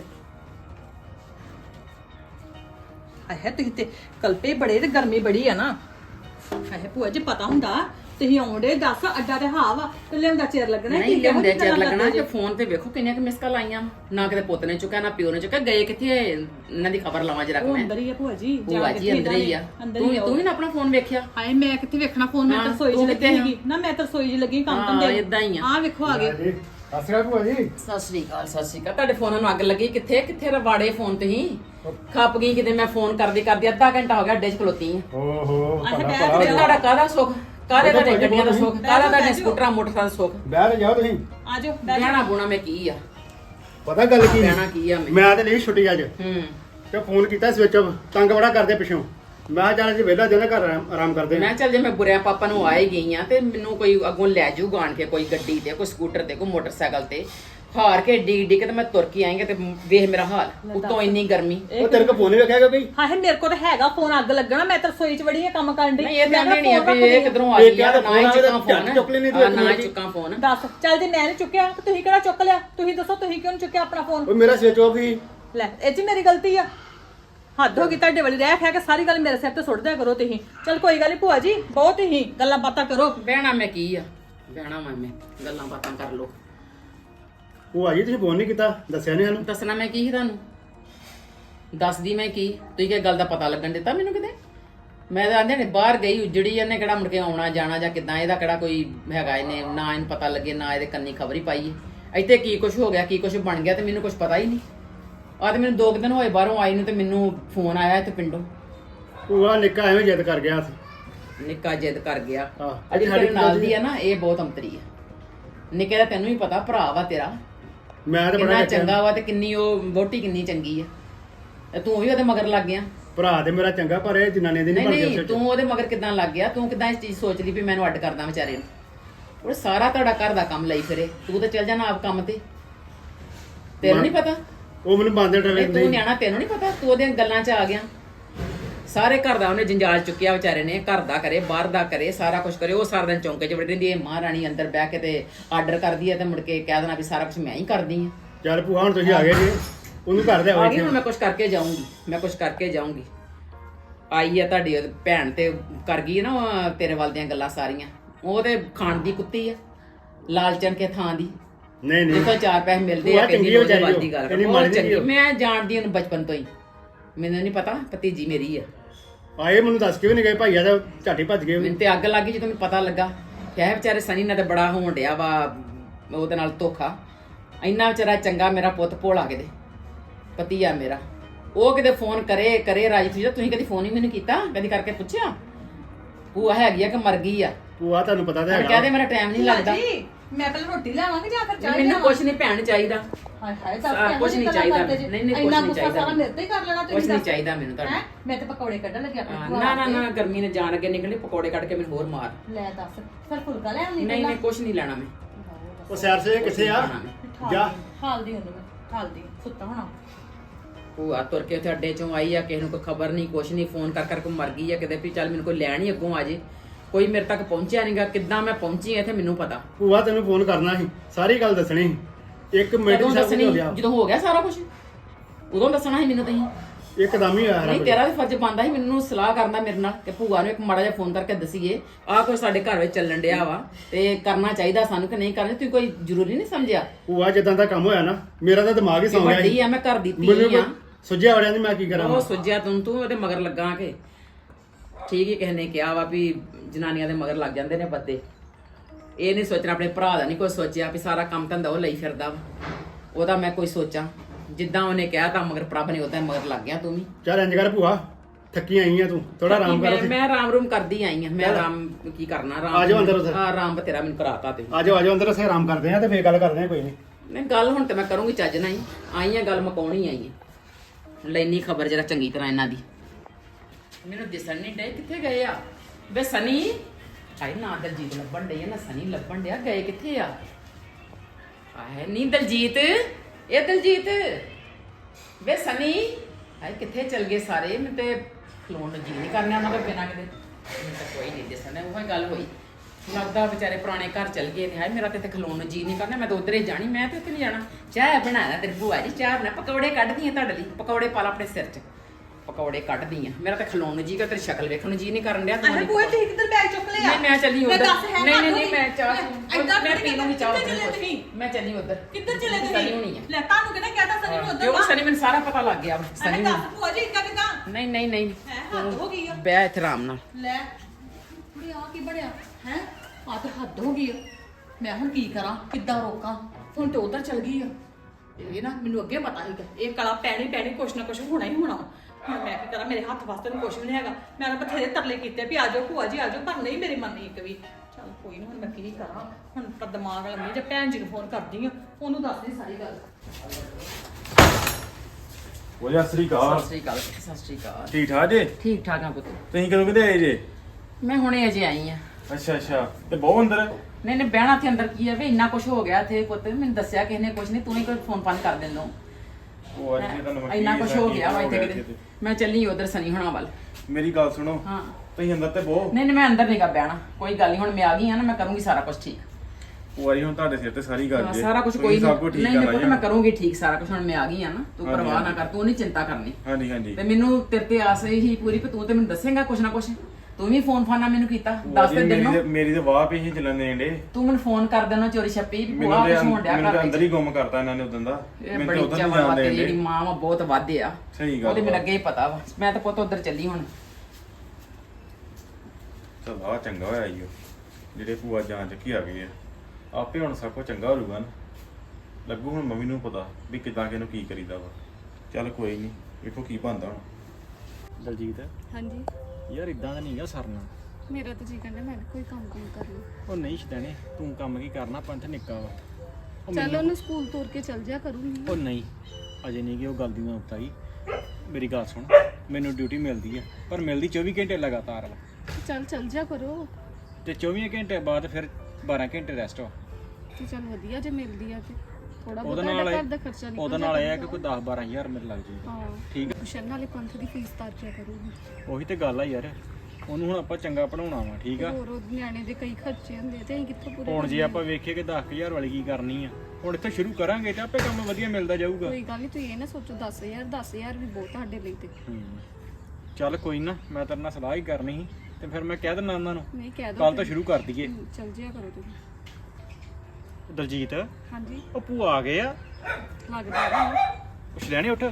ਆਹੇ ਤੁਸੀਂ ਤੇ ਕਲਪੇ ਬੜੇ ਤੇ ਗਰਮੀ ਬੜੀ ਆ ਨਾ ਆਹੇ ਭੂਆ ਜੀ ਪਤਾ ਹੁੰਦਾ ਤੁਸੀਂ ਆਉਂਦੇ ਦੱਸ ਅੱਡਾ ਤੇ ਹਾਂ ਵਾ ਤੇ ਲਿਆਉਂਦਾ ਚਿਰ ਲੱਗਣਾ
ਨਹੀਂ ਲਿਆਉਂਦੇ ਚਿਰ ਲੱਗਣਾ ਤੇ ਫੋਨ ਤੇ ਵੇਖੋ ਕਿੰਨੀਆਂ ਕਿ ਮਿਸ ਕਾਲ ਆਈਆਂ ਨਾ ਕਿਤੇ ਪੁੱਤ ਨੇ ਚੁੱਕਿਆ ਨਾ ਪਿਓ ਨੇ ਚੁੱਕਿਆ ਗਏ ਕਿੱਥੇ ਇਹਨਾਂ ਦੀ ਖਬਰ ਲਾਵਾਂ ਜਰਾ
ਉਹ
ਮੈਂ
ਅੰਦਰ ਹੀ ਆ ਭੂਆ ਜੀ
ਭੂਆ ਜੀ ਅੰਦਰ ਹੀ ਆ ਤੂੰ ਤੂੰ ਵੀ ਨਾ ਆਪਣਾ ਫੋਨ ਵੇਖਿਆ
ਹਾਏ ਮੈਂ ਕਿੱਥੇ ਵੇਖਣਾ ਫੋਨ ਮੈਂ ਤਾਂ ਰਸੋਈ 'ਚ ਲੱਗੀ ਸੀਗੀ ਨਾ ਮੈਂ ਤਾਂ ਰਸੋਈ 'ਚ ਲੱਗੀ ਕੰਮ
ਹਾਂ
ਧੰਦੇ
ਇਦਾਂ ਹੀ ਆ
ਆ ਵੇਖੋ ਆ ਗਏ
ਸਤਿ ਸ਼੍ਰੀ ਅਕਾਲ ਭੂਆ ਜੀ
ਸਤਿ ਸ੍ਰੀ ਅਕਾਲ ਸਤਿ ਸ੍ਰੀ ਅਕਾਲ ਤੁਹਾਡੇ ਫੋਨਾਂ ਨੂੰ ਅੱਗ ਲੱਗੀ ਕਿੱਥੇ ਕਿੱਥੇ ਰਵਾੜੇ ਫੋਨ ਤੁਸੀਂ ਖੱਪ ਗਈ ਕਿਤੇ ਮੈਂ ਫੋਨ ਕਰਦੀ ਕਰਦੀ ਅੱਧਾ ਘੰਟਾ ਹੋ ਗਿਆ ਅੱਡੇ 'ਚ ਖਲੋਤੀ ਆ
ਓਹੋ
ਅੱਛਾ,
ਭਲਾ
ਬੈਠ
ਭਲਾ
ਜਾ।
ਤੁਹਾਡਾ ਕਾਹਦਾ ਸੁੱਖ ਕਾਹਦੇ
ਬੈਠੋ,
ਤੁਹਾਡੇ ਗੱਡੀਆਂ ਦਾ
ਬੈਠੋ,
ਸੁੱਖ
ਬੈਠੋ,
ਕਾਹਦਾ ਤੁਹਾਡੇ
ਬੈਠੋ।
ਸਕੂਟਰਾਂ ਮੋਟਰਸਾਈਕਲ ਦਾ ਸੁੱਖ
ਬਹਿ ਤੇ ਜਾਓ ਤੁਸੀਂ
ਆਜੋ ਬੈਠ
ਬਹਿਣਾ ਬੁਣਾ ਮੈਂ ਕੀ ਆ
ਪਤਾ ਗੱਲ ਕੀ
ਬਹਿਣਾ ਕੀ ਆ ਮੈਂ
ਮੈਂ ਤੇ ਲਈ ਛੁੱਟੀ ਅੱਜ
ਹੂੰ
ਤੇ ਫੋਨ ਕੀਤਾ ਸਵਿਚ ਆਫ ਤੰਗ ਬੜਾ ਕਰਦੇ ਪਿੱਛੋਂ ਮੈਂ ਕਿਹਾ ਚੱਲ ਜੀ ਵਿਹਲਾ ਦਿਨ ਘਰ ਆਰਾਮ- ਆਰਾਮ ਕਰਦੇ
ਮੈਂ ਚੱਲ ਜੇ ਮੈਂ ਬੁਰਿਆਂ ਪਾਪਾ ਨੂੰ ਆਏ ਗਈ ਆ ਤੇ ਮੈਨੂੰ ਕੋਈ ਅੱਗੋਂ ਲੈ ਜਾਊਗਾ ਆਣ ਕੇ ਕੋਈ ਗੱਡੀ ਤੇ ਕੋਈ ਸਕੂਟਰ ਤੇ ਕੋਈ ਮੋਟਰਸਾਈਕਲ ਤੇ ਹਾਰ ਕੇ ਡੀ ਡੀ ਕੇ ਤੇ ਮੈਂ ਤੁਰ ਕੇ ਆਏਂਗੇ ਤੇ ਵੇਖ ਮੇਰਾ ਹਾਲ ਉੱਤੋਂ ਇੰਨੀ ਗਰਮੀ
ਉਹ ਤੇਰੇ ਕੋਲ ਫੋਨ ਹੀ ਵੇਖਿਆ ਕੋਈ
ਹਾਂ ਮੇਰੇ ਕੋਲ ਤਾਂ ਹੈਗਾ ਫੋਨ ਅੱਗ ਲੱਗਣਾ ਮੈਂ ਤਾਂ ਰਸੋਈ 'ਚ ਵੜੀ ਆ ਕੰਮ ਕਰਨ ਦੀ
ਨਹੀਂ ਇਹ ਤਾਂ ਨਹੀਂ ਆ ਵੀ ਇਹ ਕਿਧਰੋਂ ਆ ਗਈ ਆ ਨਾ ਹੀ ਚੁੱਕਾਂ ਫੋਨ
ਚੁੱਕ ਲੈਣੀ ਤੂੰ
ਹਾਂ,
ਇੱਕ
ਨਾ ਹੀ
ਮਿੰਟ।
ਚੁੱਕਾਂ ਫੋਨ
ਦੱਸ ਚੱਲ ਜੇ ਮੈਂ ਨਹੀਂ ਚੁੱਕਿਆ ਤੇ ਤੁਸੀਂ ਕਿਹੜਾ ਚੁੱਕ ਲਿਆ ਤੁਸੀਂ ਦੱਸੋ ਤੁਸੀਂ ਕਿਉਂ ਨੀ ਚੁੱਕਿਆ ਆਪਣਾ ਫੋਨ
ਉਹ ਮੇਰਾ ਸਵਿਚ ਆਫ ਹੀ
ਲੈ ਇਹ 'ਚ ਮੇਰੀ ਗਲਤੀ ਆ ਹੱਦ ਹੋ ਗਈ ਤੁਹਾਡੇ ਵਾਲੀ ਰਹਿ ਖਿਆ ਕੇ ਸਾਰੀ ਗੱਲ ਮੇਰੇ ਸਿਰ ਤੇ ਸੁੱਟ ਦਿਆ ਕਰੋ ਤੁਸੀਂ ਚੱਲ ਕੋਈ ਗੱਲ ਨਹੀਂ ਭੂਆ ਜੀ ਬਹੁਤ ਹੀ ਗੱਲਾਂ ਬਾਤਾਂ ਕਰੋ
ਬਹਿਣਾ ਮੈਂ ਕੀ ਆ ਬਹਿਣਾ ਮੈਂ ਮੈਂ ਗੱਲਾਂ ਬਾਤਾਂ ਕਰ ਲੋ
ਉਹ ਆਈ ਤੁਸੀਂ ਫੋਨ ਨਹੀਂ ਕੀਤਾ ਦੱਸਿਆ ਨਹੀਂ ਸਾਨੂੰ
ਦੱਸਣਾ ਮੈਂ ਕੀ ਸੀ ਤੁਹਾਨੂੰ ਦੱਸਦੀ ਮੈਂ ਕੀ ਤੁਸੀਂ ਕੀ ਗੱਲ ਦਾ ਪਤਾ ਲੱਗਣ ਦਿੱਤਾ ਮੈਨੂੰ ਕਿਤੇ ਮੈਂ ਤਾਂ ਆਂਦੇ ਨੇ ਬਾਹਰ ਗਈ ਉਜੜੀ ਇਹਨੇ ਕਿਹੜਾ ਮੁੜ ਕੇ ਆਉਣਾ ਜਾਣਾ ਜਾਂ ਕਿਦਾਂ ਇਹਦਾ ਕਿਹੜਾ ਕੋਈ ਹੈਗਾ ਇਹਨੇ ਨਾ ਇਹਨੂੰ ਪਤਾ ਲੱਗੇ ਨਾ ਇਹਦੇ ਕੰਨੀ ਖਬਰ ਹੀ ਪਾਈ ਇੱਥੇ ਕੀ ਕੁਝ ਹੋ ਗਿਆ ਕੀ ਕੁਝ ਬਣ ਗਿਆ ਤੇ ਮੈਨੂੰ ਕੁਝ ਪਤਾ ਹੀ ਨਹੀਂ ਆ ਤੇ ਮੈਨੂੰ ਦੋ ਕੁ ਦਿਨ ਹੋਏ ਬਾਹਰੋਂ ਆਈ ਨੂੰ ਤੇ ਮੈਨੂੰ ਫੋਨ ਆਇਆ ਇੱਥੇ ਪਿੰਡੋਂ
ਉਹ ਆ ਨਿੱਕਾ ਐਵੇਂ ਜਿੱਦ ਕਰ ਗਿਆ ਸੀ
ਨਿੱਕਾ ਜਿੱਦ ਕਰ ਗਿਆ
ਆਹ,
ਅਜੀ ਸਾਡੇ ਨਾਲ ਦੀ ਆ ਨਾ ਇਹ ਬਹੁਤ ਅੰਤਰੀ ਆ ਨਿੱਕੇ ਦਾ ਤੈਨੂੰ ਵੀ ਪਤਾ ਭਰਾ ਵਾ ਤੇਰਾ
ਮੈਂ ਤਾਂ ਬੜਾ
ਕਿੰਨਾ
ਚੱਕਿਆ।
ਚੰਗਾ ਵਾ ਤੇ ਕਿੰਨੀ ਉਹ ਵੋਟੀ ਕਿੰਨੀ ਚੰਗੀ ਆ ਤੇ ਤੂੰ ਵੀ ਉਹਦੇ ਮਗਰ ਲੱਗ ਗਿਆ
ਭਰਾ ਤੇ ਮੇਰਾ ਚੰਗਾ ਪਰ ਇਹ ਜਨਾਨੇ ਦੀ ਨਹੀਂ
ਨਹੀਂ
ਬਣ
ਨਹੀਂ
ਗਿਆ
ਤੂੰ ਉਹਦੇ ਮਗਰ ਕਿਦਾਂ ਲੱਗ ਗਿਆ ਤੂੰ ਕਿਦਾਂ ਇਸ ਚੀਜ਼ ਸੋਚ ਲਈ ਵੀ ਮੈਨੂੰ ਅੱਡ ਕਰਦਾ ਵਿਚਾਰੇ ਨੂੰ ਉਹ ਸਾਰਾ ਤੁਹਾਡਾ ਘਰ ਦਾ ਕੰਮ ਲਈ ਫਿਰੇ ਤੂੰ ਤਾਂ ਚੱਲ ਜਾਣਾ ਆਪ ਕੰਮ ਤੇ ਤੈਨੂੰ ਨਹੀਂ ਪਤਾ
ਉਹ ਮੈਨੂੰ ਬੰਦੇ ਡਰੇ
ਨਹੀਂ ਤੂੰ ਨਿਆਣਾ ਤੈਨੂੰ ਨਹੀਂ ਪਤਾ ਤੂੰ ਉਹਦੀਆਂ ਗੱਲਾਂ 'ਚ ਆ ਗਿਆ ਸਾਰੇ ਘਰ ਦਾ ਉਹਨੇ ਜੰਜਾਲ ਚੁੱਕਿਆ ਵਿਚਾਰੇ ਨੇ ਘਰ ਦਾ ਕਰੇ ਬਾਹਰ ਦਾ ਕਰੇ ਸਾਰਾ ਕੁਝ ਕਰੇ ਉਹ ਸਾਰਾ ਦਿਨ ਚੌਂਕੇ 'ਚ ਵੜੀ ਰਹਿੰਦੀ ਹੈ ਮਹਾਰਾਣੀ ਅੰਦਰ ਬਹਿ ਕੇ ਤੇ ਆਰਡਰ ਕਰਦੀ ਹੈ ਤੇ ਮੁੜ ਕੇ ਕਹਿ ਦੇਣਾ ਵੀ ਸਾਰਾ ਕੁਝ ਮੈਂ ਹੀ ਕਰਦੀ ਹਾਂ
ਚੱਲ ਭੂਆ ਹੁਣ ਤੁਸੀਂ ਆ ਗਏ ਜੀ ਉਹਨੂੰ ਘਰ ਦੇ
ਆ
ਆਓ
ਗਈ ਹੁਣ ਮੈਂ ਕੁਝ ਕਰਕੇ ਜਾਊਂਗੀ ਮੈਂ ਕੁਝ ਕਰਕੇ ਜਾਊਂਗੀ ਆਈ ਆ ਤੁਹਾਡੀ ਉਹ ਭੈਣ ਤੇ ਕਰ ਗਈ ਨਾ ਉਹ ਤੇਰੇ ਵੱਲ ਦੀਆਂ ਗੱਲਾਂ ਸਾਰੀਆਂ ਉਹ ਤੇ ਖਾਣ ਦੀ ਕੁੱਤੀ ਆ ਲਾਲਚਨ ਕੇ ਥਾਂ ਦੀ
ਨਹੀਂ ਨਹੀਂ
ਜਿੱਥੋਂ ਚਾਰ ਪੈਸੇ ਮਿਲਦੇ
ਉਹ
ਆ
ਚੰਗੀ
ਕਹਿੰਦੀ
ਆ
ਉਹਦੇ
ਵਿਚਾਰੀ
ਵੱਲ ਦੀ ਗੱਲ
ਉਹ,
ਕਰ
ਇੰਨੀ
ਉਹ
ਮਾੜੀ
ਚੰਗੀ
ਨਹੀਂ ਉਹ।
ਮੈਂ ਜਾਣਦੀ ਉਹਨੂੰ ਬਚਪਨ ਤੋਂ ਹੀ ਮੈਨੂੰ ਨਹੀਂ ਪਤਾ ਭਤੀਜੀ ਮੇਰੀ ਆ
ਆਏ ਮੈਨੂੰ ਦੱਸ ਕੇ ਵੀ ਨਹੀਂ ਗਏ ਭਾਈਆ ਤਾਂ ਝਾਟੀ ਭੱਜ ਗਏ
ਮੈਨੂੰ ਤੇ ਅੱਗ ਲੱਗ ਗਈ ਜਦੋਂ ਮੈਨੂੰ ਪਤਾ ਲੱਗਾ ਕਿ ਇਹ ਵਿਚਾਰੇ ਸਨੀ ਨਾਲ ਤੇ ਬੜਾ ਹੋਣ ਡਿਆ ਵਾ ਉਹਦੇ ਨਾਲ ਧੋਖਾ ਇੰਨਾ ਵਿਚਾਰਾ ਚੰਗਾ ਮੇਰਾ ਪੁੱਤ ਭੋਲਾ ਕਿਤੇ ਪਤੀ ਆ ਮੇਰਾ ਉਹ ਕਿਤੇ ਫੋਨ ਕਰੇ ਕਰੇ ਰਾਜੀ ਫੀਜਾ ਤੁਸੀਂ ਕਦੀ ਫੋਨ ਹੀ ਮੈਨੂੰ ਕੀਤਾ ਕਦੀ ਕਰਕੇ ਪੁੱਛਿਆ ਉਹ ਹੈਗੀ ਆ ਕਿ ਮਰ ਗਈ ਆ
ਭੂਆ ਤੁਹਾਨੂੰ ਪਤਾ ਤਾਂ
ਹੁਣ
ਹੈਗਾ
ਕਹਦੇ ਮੇਰਾ ਟਾਈਮ ਨਹੀਂ ਲੱਗਦਾ
ਜੀ ਮੈਂ ਪਹਿਲਾਂ ਰੋਟੀ ਲਿਆਵਾਂਗੀ ਜਾਂ ਫਿਰ ਚਾਹ
ਮੈਨੂੰ ਕੁਛ ਨਹੀਂ ਭੈਣ ਚਾਹੀਦਾ
ਹਾਏ ਹਾਏ
ਸਾਰਾ ਕੁਛ ਨਹੀਂ ਚਾਹੀਦਾ। ਨਹੀਂ, ਨਹੀਂ, ਕੁਛ
ਇੰਨਾ
ਨਹੀਂ
ਗੁੱਸਾ
ਚਾਹੀਦਾ।
ਸਾਰਾ ਮੇਰੇ ਤੇ ਹੀ ਕਰ ਲੈਣਾ
ਕੁਛ
ਤੁਸੀਂ
ਨਹੀਂ
ਦੱਸ।
ਚਾਹੀਦਾ ਮੈਨੂੰ ਤੁਹਾਡਾ
ਹੈਂ? ਮੈਂ ਤੇ ਪਕੌੜੇ ਕੱਢਣ ਲੱਗੀ ਆਪਣੇ
ਹਾਂ,
ਭੂਆ
ਨਾ ਨਾ
ਵਾਸਤੇ।
ਨਾ ਗਰਮੀ ਨੇ ਜਾਣ ਕੇ ਨਿਕਲੀ ਪਕੌੜੇ ਕੱਢ ਕੇ ਮੈਨੂੰ ਹੋਰ ਮਾਰ
ਲੈ ਦੱਸ ਫਿਰ ਫੁਲਕਾ ਲੈ ਆਉਣੀ
ਨਹੀਂ ਨਹੀਂ ਕੁਛ ਨਹੀਂ ਲੈਣਾ ਮੈਂ
ਉਹ ਸੈਰ ਸੇ ਕਿੱਥੇ ਆ ਜਾ
ਹਾਲਦੀ ਉਹਨੂੰ ਮੈਂ ਹਾਲਦੀ ਸੁੱਤਾ ਹੋਣਾ
ਉਹ ਆ ਤੁਰ ਕੇ ਉੱਥੇ ਅੱਡੇ ਚੋਂ ਆਈ ਆ ਕਿਸੇ ਨੂੰ ਕੋਈ ਖਬਰ ਨਹੀਂ ਕੁਛ ਨਹੀਂ ਫੋਨ ਕਰ ਕਰਕੇ ਮਰ ਗਈ ਆ ਕਿਤੇ ਵੀ ਚੱਲ ਮੈਨੂੰ ਕੋਈ ਲੈਣ ਹੀ ਅੱਗੋਂ ਆ ਜੇ ਕੋਈ ਮੇਰੇ ਤੱਕ ਪਹੁੰਚਿਆ ਨਹੀਂਗਾ ਕਿੱਦਾਂ ਮੈਂ ਪਹੁੰਚੀ ਇੱਥੇ ਮੈਨੂੰ ਪਤਾ
ਭੂਆ ਤੈਨੂੰ ਫੋਨ ਕਰਨਾ ਸੀ ਸਾਰੀ ਗੱਲ ਦੱਸਣੀ ਸੀ ਇੱਕ ਮਿੰਟ
ਕਦੋਂ
ਹੀ ਸਭ ਕੁਝ
ਦੱਸਣੀ
ਹੋ ਗਿਆ
ਜਦੋਂ ਹੋ ਗਿਆ ਸਾਰਾ ਕੁਝ ਉਦੋਂ ਦੱਸਣਾ ਸੀ ਮੈਨੂੰ ਤੁਸੀਂ
ਇੱਕਦਮ ਹੀ ਹੋਇਆ
ਨਹੀਂ
ਸਾਰਾ
ਤੇਰਾ ਵੀ ਫਰਜ਼ ਬਣਦਾ ਸੀ ਮੈਨੂੰ ਸਲਾਹ ਕਰਨਾ ਮੇਰੇ ਨਾਲ ਕਿ ਭੂਆ ਨੂੰ ਇੱਕ ਮਾੜਾ ਜਿਹਾ ਫੋਨ ਕਰਕੇ ਦਸੀਏ ਆਹ ਕੁਝ ਸਾਡੇ ਘਰ ਵਿੱਚ ਚੱਲਣ ਡਿਆ ਵਾ ਤੇ ਕਰਨਾ ਚਾਹੀਦਾ ਸਾਨੂੰ ਕਿ ਨਹੀਂ ਕਰਨਾ ਤੁਸੀਂ ਕੋਈ ਜ਼ਰੂਰੀ ਨਹੀਂ ਸਮਝਿਆ
ਭੂਆ ਜਿੱਦਾਂ ਦਾ ਕੰਮ ਹੋਇਆ ਨਾ ਮੇਰਾ ਤਾਂ ਦਿਮਾਗ ਹੀ ਸੌਂ ਗਿਆ
ਵੱਡੀ
ਸੀ
ਆ ਮੈਂ ਘਰ ਦੀ
ਮੈਨੂੰ
ਧੀ ਆ
ਸੁਝਿਆ ਵੜਿਆ ਨਹੀਂ ਮੈਂ ਕੀ ਕਰਾਂ
ਉਹ ਸੁੱਜਿਆ ਤੂੰ ਤੂੰ ਉਹਦੇ ਮਗਰ ਲੱਗਾ ਕਿ ਠੀਕ ਹੀ ਕਿਸੇ ਨੇ ਕਿਹਾ ਵਾ ਵੀ ਜਨਾਨੀਆਂ ਦੇ ਮਗਰ ਲੱਗ ਜਾਂਦੇ ਨੇ ਬੱਦੇ ਇਹ ਨਹੀਂ ਸੋਚਣਾ ਆਪਣੇ ਭਰਾ ਦਾ ਨਹੀਂ ਕੋਈ ਸੋਚਿਆ ਵੀ ਸਾਰਾ ਕੰਮ ਧੰਦਾ ਉਹ ਲਈ ਫਿਰਦਾ ਵਾ ਉਹਦਾ ਮੈਂ ਕੋਈ ਸੋਚਾਂ ਜਿੱਦਾਂ ਉਹਨੇ ਕਿਹਾ ਤਾਂ ਮਗਰ ਪ੍ਰਭ ਨੇ ਉਹਦਾ ਮਗਰ ਲੱਗ ਗਿਆ ਤੂੰ ਵੀ
ਚੱਲ ਇੰਜ ਕਰ ਭੂਆ ਥੱਕੀ ਆਈ ਆ ਤੂੰ ਥੋੜਾ ਆਰਾਮ ਕਰ
ਮੈਂ
ਉੱਥੇ।
ਮੈਂ ਆਰਾਮ ਰੂਮ ਕਰਦੀ ਆਈ ਆ ਮੈਂ ਆਰਾਮ ਕੀ ਕਰਨਾ ਆਰਾਮ
ਆ ਜਾਓ ਅੰਦਰ ਉੱਧਰ।
ਹਾਂ ਆਰਾਮ ਬਤੇਰਾ ਮੈਨੂੰ ਕਰਾਤਾ ਤੇ
ਆ ਜਾਓ ਆ ਜਾਓ ਅੰਦਰ ਅਸੀਂ ਆਰਾਮ ਕਰਦੇ ਆ ਤੇ ਫੇਰ ਗੱਲ ਕਰਦੇ ਆ ਕੋਈ ਨਹੀਂ
ਨਹੀਂ ਗੱਲ ਹੁਣ ਤੇ ਮੈਂ ਕਰੂੰਗੀ ਚੱਜ ਨਾਲ ਹੀ ਆਈ ਆ ਗੱਲ ਮਕਾਉਣੀ ਆਈ ਆ ਲੈਣੀ ਖਬਰ ਜਰਾ ਚੰਗੀ ਤਰ੍ਹਾਂ ਇਹਨਾਂ ਦੀ ਮੈਨੂੰ ਦਿਸਣ ਨਹੀਂ ਡੇ ਕਿੱਥੇ ਗਏ ਆ ਵੇ ਸਨੀ ਆਏ ਨਾ ਦਲਜੀਤ ਲੱਭਣ ਡੇ ਨਾ ਸਨੀ ਲੱਭਣ ਡਿਆ ਗਏ ਕਿੱਥੇ ਆ ਆਏ ਨਹੀਂ ਦਲਜੀਤ ਇਹ ਦਲਜੀਤ ਵੇ ਸਨੀ ਆਏ ਕਿੱਥੇ ਚਲ ਗਏ ਸਾਰੇ ਮੈਂ ਤੇ ਖਲੋਣ ਨੂੰ ਜੀ ਨਹੀਂ ਕਰਨਾ ਉਹਨਾਂ ਦੇ ਬਿਨਾਂ ਕਿਤੇ ਮੈਨੂੰ ਤਾਂ ਕੋਈ ਨਹੀਂ ਦਿਸਣਾ ਉਹ ਹੀ ਗੱਲ ਹੋਈ ਲੱਗਦਾ ਵਿਚਾਰੇ ਪੁਰਾਣੇ ਘਰ ਚਲ ਗਏ ਨੇ ਹਾਏ ਮੇਰਾ ਤੇ ਇੱਥੇ ਖਲੋਣ ਨੂੰ ਜੀ ਨਹੀਂ ਕਰਨਾ ਮੈਂ ਤਾਂ ਉਧਰ ਹੀ ਜਾਣੀ ਮੈਂ ਤੇ ਇੱਥੇ ਨਹੀਂ ਜਾਣਾ ਚਾਹ ਬਣਾਇਆ ਤੇਰੀ ਭੂਆ ਜੀ ਚਾਹ ਬਣਾ ਪਕੌੜੇ ਕੱਢਦੀ ਆ ਤੁਹਾਡੇ ਲਈ ਪਕੌੜੇ ਪਾ ਲਾ ਆਪਣੇ ਸਿਰ 'ਚ ਪਕੌੜੇ ਕੱਢਦੀ ਆ ਮੇਰਾ ਤਾਂ ਖਲੋਣ ਨੂੰ ਜੀ ਕਰ ਤੇਰੀ ਸ਼ਕਲ ਵੇਖਣ ਨੂੰ ਜੀ ਨਹੀਂ ਕਰਨ ਡਿਆ
ਅਰੇ
ਨਹੀਂ
ਬੂਏ ਤੁਸੀਂ ਕਿੱਧਰ ਬੈਗ ਚੁੱਕ ਲਿਆ
ਨਹੀਂ ਮੈਂ ਚੱਲੀ
ਲੈ
ਉਧਰ
ਦੱਸ ਹੈ
ਨਹੀਂ
ਨਾ
ਨਹੀਂ ਨਹੀਂ
ਤੁਸੀਂ?
ਮੈਂ ਚਾਹ
ਏਦਾਂ
ਮੈਂ
ਕਿੱਧਰ
ਪੀ ਲੂੰਗੀ ਚਾਹ
ਚੱਲੇ
ਉੱਧਰ
ਤੁਸੀਂ?
ਮੈਂ ਚੱਲੀ ਉਧਰ
ਕਿੱਧਰ ਚਲੇ
ਸਨੀ ਹੋਣੀ
ਤੁਸੀਂ
ਆ
ਲੈ ਤੁਹਾਨੂੰ ਕਿਹਨੇ ਕਹਿਤਾ ਸਨੀ ਨੂੰ
ਕਿਉਂ
ਉਧਰ
ਸਨੀ ਮੈਨੂੰ ਸਾਰਾ ਪਤਾ ਲੱਗ ਗਿਆ ਵਾ,
ਅਰੇ
ਸਨੀ
ਦੱਸ
ਨੂੰ
ਭੂਆ ਜੀ ਇੱਕਾ ਕਿਦਾਂ
ਨਹੀਂ ਨਹੀਂ ਨਹੀਂ
ਹੈ ਹੱਦ ਹੋ ਗਈ ਆ
ਬੈ ਇੱਥੇ ਆਰਾਮ ਨਾਲ
ਲੈ ਕੁੜੀ ਆ ਕੀ ਬਣਿਆ ਹੈ ਆ ਤਾਂ ਹੱਦ ਹੋ ਗਈ ਆ ਮੈਂ ਹੁਣ ਕੀ ਕਰਾਂ ਕਿੱਦਾਂ ਰੋਕਾਂ ਹੁਣ ਤੇ ਉਧਰ ਚਲ ਗਈ ਆ ਇਹ ਨਾ ਮੈਨੂੰ ਅੱਗੇ ਪਤਾ ਸੀਗਾ ਇਹ ਕਲਾ ਪੈਣੀ ਪੈਣੀ ਕੁਛ ਨਾ ਕੁਛ ਹੋਣਾ ਹੀ ਹੋਣਾ ਵਾ। ਹੁਣ ਮੈਂ ਕੀ ਕਰਾਂ, ਮੇਰੇ ਹੱਥ ਵਾਸਤੇ ਨੂੰ ਕੁਛ ਵੀ ਨਹੀਂ ਹੈਗਾ। ਮੈਂ ਤਾਂ ਬਥੇਰੇ ਤਰਲੇ ਕੀਤੇ ਵੀ ਆ ਜਾਓ ਭੂਆ ਜੀ ਆ ਜਾਓ, ਪਰ ਨਹੀਂ ਮੇਰੀ ਮੰਨੀ ਇੱਕ ਵੀ। ਚੱਲ ਕੋਈ ਨਾ, ਹੁਣ ਮੈਂ ਕੀ ਕਰਾਂ, ਹੁਣ ਪਰ ਦਿਮਾਗ ਲੰਮੀ ਜੇ ਭੈਣ ਜੀ ਨੂੰ ਫੋਨ ਕਰਦੀ ਆ, ਉਹਨੂੰ ਦੱਸਦੀ ਸਾਰੀ ਗੱਲ।
ਉਹ ਯਾਰ ਸ੍ਰੀ ਅਕਾਲ।
ਸਤਿ ਸ਼੍ਰੀ ਅਕਾਲ ਸਤਿ ਸ਼੍ਰੀ ਅਕਾਲ।
ਠੀਕ ਠਾਕ ਜੇ?
ਠੀਕ ਠਾਕ ਆ ਪੁੱਤ।
ਤੁਸੀਂ ਕਦੋਂ ਕਿਤੇ ਆਏ ਜੇ?
ਮੈਂ ਹੁਣੇ ਅਜੇ ਆਈ ਆ।
ਅੱਛਾ ਅੱਛਾ, ਤੇ ਬਹੁ ਅੰਦਰ?
ਨਹੀਂ ਨਹੀਂ ਬਹਿਣਾ ਤੇ ਅੰਦਰ ਕੀ ਆ ਵੀ ਇੰਨਾ ਕੁਝ ਹੋ ਗਿਆ ਤੇ ਪੁੱਤ ਮੈਨੂੰ ਦੱਸਿਆ ਕਿਸੇ ਨੇ ਕੁਝ ਨਹੀਂ, ਤੂੰ ਹੀ ਕੋਈ ਫੋਨ ਫਾਨ ਕਰ ਦਿੰਦਾ।
ਉਹ ਅੱਜ ਤੁਹਾਨੂੰ ਮੈਂ
ਇੰਨਾ
ਕੀ
ਕੁਝ
ਦੱਸਾਂ
ਹੋ
ਕੀ
ਗਿਆ ਵਾ ਇੱਥੇ
ਗਿਆ
ਕਿਤੇ। ਮੈਂ ਚੱਲੀ ਉਧਰ ਸਨੀ ਹੁਣਾਂ ਵੱਲ।
ਮੇਰੀ ਗੱਲ ਸੁਣੋ,
ਹਾਂ
ਤੁਸੀਂ ਅੰਦਰ ਤੇ ਬਹੁ।
ਨਹੀਂ ਨਹੀਂ ਮੈਂ ਅੰਦਰ ਨਹੀਂ ਗਾ ਬਹਿਣਾ, ਕੋਈ ਗੱਲ ਨਹੀਂ, ਹੁਣ ਮੈਂ ਆ ਗਈ ਆ ਨਾ, ਮੈਂ ਕਰੂੰਗੀ ਸਾਰਾ ਕੁਝ ਠੀਕ।
ਉਹ ਆਈ ਹੁਣ ਤੁਹਾਡੇ ਸਿਰ ਤੇ ਸਾਰੀ ਗੱਲ
ਹਾਂ,
ਜੇ
ਸਾਰਾ ਕੁਝ
ਤੁਸੀਂ
ਕੋਈ
ਸਭ ਕੁਝ
ਨਹੀਂ
ਠੀਕ
ਨਹੀਂ
ਕਰਨਾ
ਪੁੱਤ
ਜੀ।
ਮੈਂ ਕਰੂੰਗੀ ਠੀਕ ਸਾਰਾ ਕੁਝ, ਹੁਣ ਮੈਂ ਆ ਗਈ ਆ ਨਾ, ਤੂੰ
ਹਾਂਜੀ,
ਪਰਵਾਹ ਨਾ
ਹਾਂਜੀ।
ਕਰ, ਤੂੰ ਨਹੀਂ ਚਿੰਤਾ ਕਰਨੀ।
ਹਾਂਜੀ ਹਾਂਜੀ।
ਤੇ ਮੈਨੂੰ ਤੇਰੇ ਤੇ ਆਸ ਹੀ ਪੂਰੀ ਕਿ ਤੂੰ ਤੇ ਮੈਨੂੰ ਦੱਸੇਂਗਾ ਕੁਝ ਨਾ ਕੁਝ। ਤੂੰ ਵੀ ਫੋਨ ਫਾਨਾ ਮੈਨੂੰ ਕੀਤਾ ਦੱਸ ਤੇ
ਮੇਰੀ
ਦਿਨੋਂ।
ਤੇ- ਮੇਰੀ ਤੇ ਵਾਹ ਪਈ ਸੀ ਚੱਲਣ ਦੇਣ ਡੇ।
ਤੂੰ ਮੈਨੂੰ ਫੋਨ ਕਰ ਦੇਣਾ ਚੋਰੀ ਛੱਪੀ ਵੀ
ਮੈਨੂੰ
ਭੂਆ
ਤੇ
ਕੁਝ ਹੋਣ ਡਿਆ
ਮੈਨੂੰ
ਘਰ
ਤੇ ਅੰਦਰ
ਵਿੱਚ।
ਹੀ ਗੁੰਮ ਕਰਤਾ ਇਹਨਾਂ ਨੇ ਉਦੋਂ ਦਾ।
ਇਹ
ਮੈਨੂੰ
ਬੜੀ
ਤੇ ਉਦੋਂ
ਚਾਵਾਂ
ਨਹੀਂ ਜਾਣ
ਵਾਤੇ
ਦੇਣ
ਜਿਹੜੀ
ਡੇ।
ਮਾਂ ਵਾ ਬਹੁਤ ਵਾਧੇ ਆ।
ਸਹੀ ਗੱਲ
ਉਹਦੇ ਮੈਨੂੰ
ਵਾ।
ਅੱਗੇ ਹੀ ਪਤਾ ਵਾ, ਮੈਂ ਤਾਂ ਪੁੱਤ ਉਧਰ ਚੱਲੀ ਹੁਣ।
ਚਲ ਆ ਚੰਗਾ ਹੋਇਆ ਈ ਓ, ਜਿਹੜੇ ਭੂਆ ਜਾਣ ਚੱਕੀ ਆ ਗਏ ਆ। ਆਪੇ ਹੁਣ ਸਭ ਕੁਝ ਚੰਗਾ ਹੋ ਜਾਊਗਾ ਨਾ। ਲੱਗੂ ਹੁਣ ਮੰਮੀ ਨੂੰ ਪਤਾ ਵੀ ਕਿਦਾਂ ਕਿਹਨੂੰ ਕੀ ਕਰੀਦਾ ਵਾ। ਚੱਲ ਕੋਈ ਨਹੀਂ, ਵੇਖੋ ਕੀ ਬਣਦਾ ਹੁਣ।
ਦਲਜੀਤ
ਹਾਂਜੀ
ਯਾਰ ਇਦਾਂ ਦਾ ਨਹੀਂਗਾ ਸਰਨਾ।
ਮੇਰਾ ਤਾਂ ਜੀ ਕਹਿੰਦਾ ਮੈਂ ਵੀ ਕੋਈ ਕੰਮ ਕੰਮ ਕਰ ਲਵਾਂ।
ਉਹ ਨਹੀਂ ਛਦਣੇ, ਤੂੰ ਕੰਮ ਕੀ ਕਰਨਾ, ਪੰਥ ਨਿੱਕਾ ਵਾ। ਉਹ
ਚੱਲ
ਮੈਨੂੰ-
ਉਹਨੂੰ ਸਕੂਲ ਤੋਰ ਕੇ ਚੱਲ ਜਾ ਕਰੂੰਗੀ।
ਉਹ ਨਹੀਂ, ਅਜੇ ਨਹੀਂ ਕਿ ਉਹ ਗੱਲ ਦੀ ਮੈਂ ਉਤਾਈ। ਮੇਰੀ ਗੱਲ ਸੁਣ, ਮੈਨੂੰ ਡਿਊਟੀ ਮਿਲਦੀ ਆ, ਪਰ ਮਿਲਦੀ ਚੌਵੀ ਘੰਟੇ ਲਗਾਤਾਰ ਵਾ।
ਚੱਲ ਚੱਲ ਜਾ ਕਰੋ
ਤੇ ਚੌਵੀ ਘੰਟੇ ਬਾਅਦ ਫਿਰ ਬਾਰਾਂ ਘੰਟੇ ਰੈਸਟ ਵਾ।
ਤੇ ਚੱਲ ਵਧੀਆ ਜੇ ਮਿਲਦੀ ਆ ਤੇ ਥੋੜਾ
ਉਹਦੇ
ਬਹੁਤਾ
ਨਾਲ
ਘਰ ਦਾ ਖਰਚਾ ਨਿਕਲ
ਉਹਦੇ ਨਾਲ ਇਹ ਆ ਕਿ ਕੋਈ ਦਸ ਬਾਰਾਂ ਹਜ਼ਾਰ ਮੇਰੇ ਲੱਗ ਜਾਊਗਾ।
ਹਾਂ
ਠੀਕ ਆ।
ਟਿਊਸ਼ਨ ਵਾਲੇ ਪੰਥ ਦੀ ਫੀਸ ਤਾਰ ਜਾ ਕਰੂੰਗੀ।
ਉਹੀ ਤੇ ਗੱਲ ਆ ਯਾਰ, ਉਹਨੂੰ ਹੁਣ ਆਪਾਂ ਚੰਗਾ ਪੜਾਉਣਾ ਵਾ। ਠੀਕ ਆ।
ਹੋਰ ਉਹ ਨਿਆਣੇ ਦੇ ਕਈ ਖਰਚੇ ਹੁੰਦੇ ਆ ਤੇ ਅਸੀਂ ਕਿੱਥੋਂ ਪੂਰੇ
ਹੁਣ ਜੇ
ਕਰਨੇ ਆ?
ਆਪਾਂ ਵੇਖੀਏ ਕਿ ਦਸ ਹਜ਼ਾਰ ਵਾਲੀ ਕੀ ਕਰਨੀ ਆ, ਹੁਣ ਇੱਥੇ ਸ਼ੁਰੂ ਕਰਾਂਗੇ ਤੇ ਆਪੇ ਕੰਮ ਵਧੀਆ ਮਿਲਦਾ ਜਾਊਗਾ।
ਕੋਈ ਗੱਲ ਨਹੀਂ, ਤੁਸੀਂ ਇਹ ਨਾ ਸੋਚੋ ਦਸ ਹਜ਼ਾਰ ਦਸ ਹਜ਼ਾਰ ਵੀ ਬਹੁਤ ਸਾਡੇ ਲਈ ਤੇ।
ਹੂੰ। ਚੱਲ ਕੋਈ ਨਾ, ਮੈਂ ਤੇਰੇ ਨਾਲ ਸਲਾਹ ਹੀ ਕਰਨੀ ਸੀ ਤੇ ਫਿਰ ਮੈਂ ਕਹਿ ਦਿੰਦਾ ਉਹਨਾਂ ਨੂੰ
ਨਹੀਂ ਕਹਿ ਦੋ
ਕੱਲ ਤੋਂ ਸ਼ੁਰੂ ਕਰ ਦਈਏ।
ਚੱਲ ਜਿਆ ਕਰੋ ਤੁਸੀਂ।
ਦਲਜੀਤ,
ਹਾਂਜੀ
ਉਹ ਭੂਆ ਆ ਗਏ ਆ।
ਲੱਗਦਾ ਵਾ।
ਪੁੱਛ ਲੈਣੀ ਉੱਠ।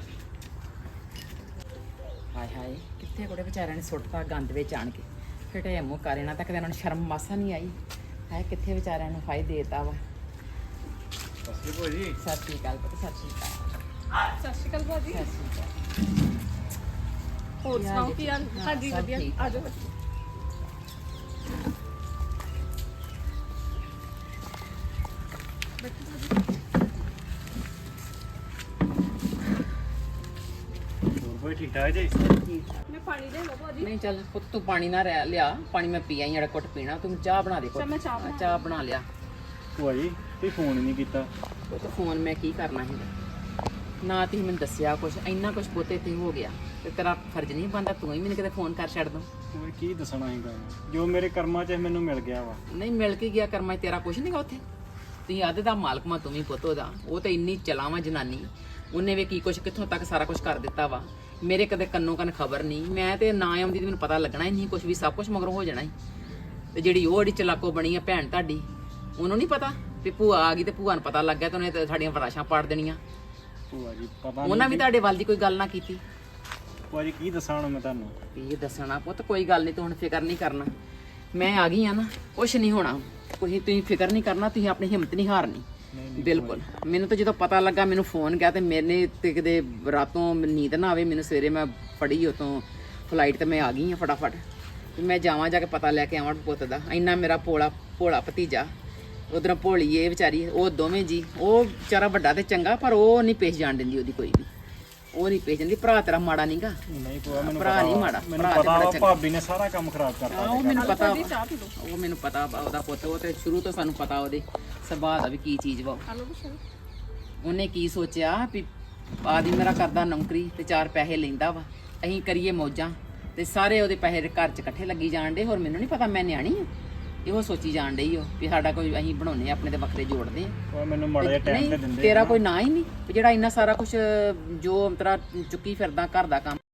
ਹਾਏ ਹਾਏ ਕਿੱਥੇ ਕੋੜੇ ਵਿਚਾਰਿਆਂ ਨੇ ਸੁੱਟਤਾ ਗੰਦ ਵਿੱਚ ਆਣ ਕੇ। ਫਿਟੇ ਮੂੰਹ ਕਰ ਇਹਨਾਂ ਤੱਕ ਇਹਨਾਂ ਨੂੰ ਸ਼ਰਮ ਮਾਸਾ ਨਹੀਂ ਆਈ। ਹੈ ਕਿੱਥੇ ਵਿਚਾਰਿਆਂ ਨੂੰ ਫਾਇਦੇ ਦੇਤਾ ਵਾ।
ਸਸਰੀ ਭੂਆ ਜੀ।
ਸਤਿ ਸ਼੍ਰੀ ਅਕਾਲ ਪੁੱਤ, ਸਤਿ ਸ਼੍ਰੀ ਅਕਾਲ।
ਸਤਿ ਸ਼੍ਰੀ ਅਕਾਲ ਭਾਜੀ।
ਸਤਿ ਸ਼੍ਰੀ ਅਕਾਲ।
ਹੋਰ
ਕੀ ਹਾਲ
ਸੁਣਾਓ
ਜੀ?
ਕੀ ਹਾਲ?
ਹਾਂ,
ਹਾਂਜੀ
ਸਭ
ਵਧੀਆ,
ਠੀਕ।
ਆ ਜਾਓ।
ਹੋਰ ਕੋਈ ਠੀਕ ਠਾਕ ਜੀ?
ਮੈਂ ਪਾਣੀ ਲੈ ਲਵਾਂ ਭਾਜੀ।
ਨਹੀਂ ਚੱਲ ਪੁੱਤ ਤੂੰ ਪਾਣੀ ਨਾ ਰਹਿ ਲਿਆ, ਪਾਣੀ ਮੈਂ ਪੀ ਆਈ ਜਿਹੜਾ ਘੁੱਟ ਪੀਣਾ, ਤੂੰ ਚਾਹ ਬਣਾ ਦੇ ਘੁੱਟ।
ਚੱਲ ਮੈਂ ਚਾਹ
ਹਾਂ,
ਬਣਾ
ਚਾਹ ਬਣਾ ਲਿਆ।
ਭੂਆ ਜੀ ਤੁਸੀਂ ਫੋਨ ਹੀ ਨਹੀਂ ਕੀਤਾ।
ਉਹ ਤਾਂ ਫੋਨ ਮੈਂ ਕੀ ਕਰਨਾ ਸੀ ਨਾ, ਤੁਸੀਂ ਮੈਨੂੰ ਦੱਸਿਆ ਕੁਛ, ਇੰਨਾ ਕੁਛ ਬੋਤੇ ਤੇ ਹੋ ਗਿਆ ਤੇ ਤੇਰਾ ਫਰਜ਼ ਨਹੀਂ ਬਣਦਾ ਤੂੰ ਹੀ ਮੈਨੂੰ ਕਿਤੇ ਫੋਨ ਕਰ ਛੱਡ ਦੋ।
ਹੋਰ ਕੀ ਦੱਸਣਾ ਹੈਗਾ, ਜੋ ਮੇਰੇ ਕਰਮਾਂ 'ਚ ਮੈਨੂੰ ਮਿਲ ਗਿਆ ਵਾ।
ਨਹੀਂ ਮਿਲ ਕੇ ਗਿਆ ਕਰਮਾਂ 'ਚ ਤੇਰਾ ਕੁਛ ਨਹੀਂਗਾ ਉੱਥੇ। ਤੁਸੀਂ ਅੱਧ ਦਾ ਮਾਲਕ ਮਾ ਤੂੰ ਵੀ ਪੁੱਤ ਉਹਦਾ। ਉਹ ਤਾਂ ਇੰਨੀ ਚਲਾਵਾਂ ਜਨਾਨੀ, ਉਹਨੇ ਵੀ ਕੀ ਕੁਛ ਕਿੱਥੋਂ ਤੱਕ ਸਾਰਾ ਕੁਝ ਕਰ ਦਿੱਤਾ ਵਾ। ਮੇਰੇ ਕਦੇ ਕੰਨੋਂ ਕੰਨ ਖਬਰ ਨਹੀਂ, ਮੈਂ ਤੇ ਨਾ ਆਉਂਦੀ ਤੇ ਮੈਨੂੰ ਪਤਾ ਲੱਗਣਾ ਹੀ ਨਹੀਂ ਕੁਛ ਵੀ, ਸਭ ਕੁਝ ਮਗਰੋਂ ਹੋ ਜਾਣਾ ਹੀ। ਤੇ ਜਿਹੜੀ ਉਹ ਜਿਹੜੀ ਚਲਾਕੋ ਬਣੀ ਆ ਭੈਣ ਤੁਹਾਡੀ, ਉਹਨੂੰ ਨਹੀਂ ਪਤਾ ਵੀ ਭੂਆ ਆ ਗਈ ਤੇ ਭੂਆ ਨੂੰ ਪਤਾ ਲੱਗ ਗਿਆ ਤੇ ਉਹਨੇ ਤੇ ਸਾਡੀਆਂ ਫਰਾਸ਼ਾਂ ਪਾੜ ਦੇਣੀਆਂ।
ਭੂਆ ਜੀ ਪਤਾ
ਉਹਨਾਂ ਵੀ
ਨਹੀਂ
ਤੁਹਾਡੇ ਵੱਲ ਦੀ ਕੋਈ ਗੱਲ ਨਾ ਕੀਤੀ।
ਭੂਆ ਜੀ ਕੀ ਦੱਸਾਂ ਹੁਣ ਮੈਂ ਤੁਹਾਨੂੰ।
ਇਹ ਦੱਸਣਾ ਪੁੱਤ ਕੋਈ ਗੱਲ ਨਹੀਂ, ਤੂੰ ਹੁਣ ਫਿਕਰ ਨਹੀਂ ਕਰਨਾ। ਮੈਂ ਆ ਗਈ ਆ ਨਾ, ਕੁਛ ਨਹੀਂ ਹੋਣਾ। ਕੋਈ ਤੁਸੀਂ ਫਿਕਰ ਨਹੀਂ ਕਰਨਾ, ਤੁਸੀਂ ਆਪਣੀ ਹਿੰਮਤ ਨਹੀਂ ਹਾਰਨੀ। ਬਿਲਕੁਲ। ਮੈਨੂੰ ਤਾਂ ਜਦੋਂ ਪਤਾ ਲੱਗਾ ਮੈਨੂੰ ਫੋਨ ਗਿਆ ਤੇ ਮੈਨੇ ਤੇ ਕਿਤੇ ਰਾਤੋਂ ਨੀਂਦ ਨਾ ਆਵੇ ਮੈਨੂੰ, ਸਵੇਰੇ ਮੈਂ ਫੜੀ ਉਤੋਂ ਫਲਾਈਟ ਤੇ ਮੈਂ ਆ ਗਈ ਆ ਫਟਾਫਟ। ਤੇ ਮੈਂ ਜਾਵਾਂ ਜਾ ਕੇ ਪਤਾ ਲੈ ਕੇ ਆਵਾਂ ਪੁੱਤ ਦਾ। ਇੰਨਾ ਮੇਰਾ ਭੋਲਾ ਭੋਲਾ ਭਤੀਜਾ, ਉਧਰੋਂ ਭੋਲੀ ਇਹ ਵਿਚਾਰੀ, ਉਹ ਦੋਵੇਂ ਜੀ। ਉਹ ਵਿਚਾਰਾ ਵੱਡਾ ਤੇ ਚੰਗਾ, ਪਰ ਉਹ ਨਹੀਂ ਪੇਸ਼ ਜਾਣ ਦਿੰਦੀ ਉਹਦੀ ਕੋਈ ਵੀ। ਉਹ ਨਹੀਂ ਪੇਸ਼ ਜਾਂਦੀ। ਭਰਾ ਤੇਰਾ ਮਾੜਾ ਨਹੀਂਗਾ।
ਨਹੀਂ ਭੂਆ ਮੈਨੂੰ
ਭਰਾ
ਪਤਾ
ਨਹੀਂ
ਵਾ।
ਮਾੜਾ,
ਮੈਨੂੰ
ਭਰਾ ਤੇ
ਪਤਾ
ਬੜਾ
ਵਾ
ਚੰਗਾ।
ਭਾਬੀ ਨੇ ਸਾਰਾ ਕੰਮ ਖਰਾਬ ਕਰਤਾ।
ਉਹ ਮੈਨੂੰ ਪਤਾ ਵਾ।
ਚਾਹ ਪੀ ਲਓ।
ਉਹ ਮੈਨੂੰ ਪਤਾ ਵਾ ਉਹਦਾ ਪੁੱਤ। ਉਹ ਤੇ ਸ਼ੁਰੂ ਤੋਂ ਸਾਨੂੰ ਪਤਾ ਉਹਦੇ ਸੁਭਾਅ ਦਾ ਵੀ ਕੀ ਚੀਜ਼ ਵਾ।
ਹਲੋ ਬਸ।
ਉਹਨੇ ਕੀ ਸੋਚਿਆ ਵੀ ਆਦੀ ਮੇਰਾ ਕਰਦਾ ਨੌਕਰੀ ਤੇ ਚਾਰ ਪੈਸੇ ਲੈਂਦਾ ਵਾ, ਅਸੀਂ ਕਰੀਏ ਮੌਜਾਂ ਤੇ ਸਾਰੇ ਉਹਦੇ ਪੈਸੇ ਘਰ 'ਚ ਇਕੱਠੇ ਲੱਗੀ ਜਾਣ ਡੇ। ਹੋਰ ਮੈਨੂੰ ਨਹੀਂ ਪਤਾ ਮੈਂ ਨਿਆਣੀ ਆ। ਇਹੋ ਸੋਚੀ ਜਾਣ ਡਈ ਉਹ ਵੀ ਸਾਡਾ ਕੋਈ ਅਸੀਂ ਬਣਾਉਨੇ ਆਪਣੇ ਤੇ ਵੱਖਰੇ ਜੋੜਦੇ ਆ।
ਉਹ ਮੈਨੂੰ ਮਾੜਾ ਜਿਹਾ ਟਾਈਮ ਤੇ
ਨਹੀਂ
ਦਿੰਦੇ।
ਤੇਰਾ ਕੋਈ ਨਾ ਹੀ ਨਹੀਂ ਵੀ ਜਿਹੜਾ ਇੰਨਾ ਸਾਰਾ ਕੁਝ ਜੋ ਤੇਰਾ ਚੁੱਕੀ ਫਿਰਦਾ ਘਰ ਦਾ ਕੰਮ।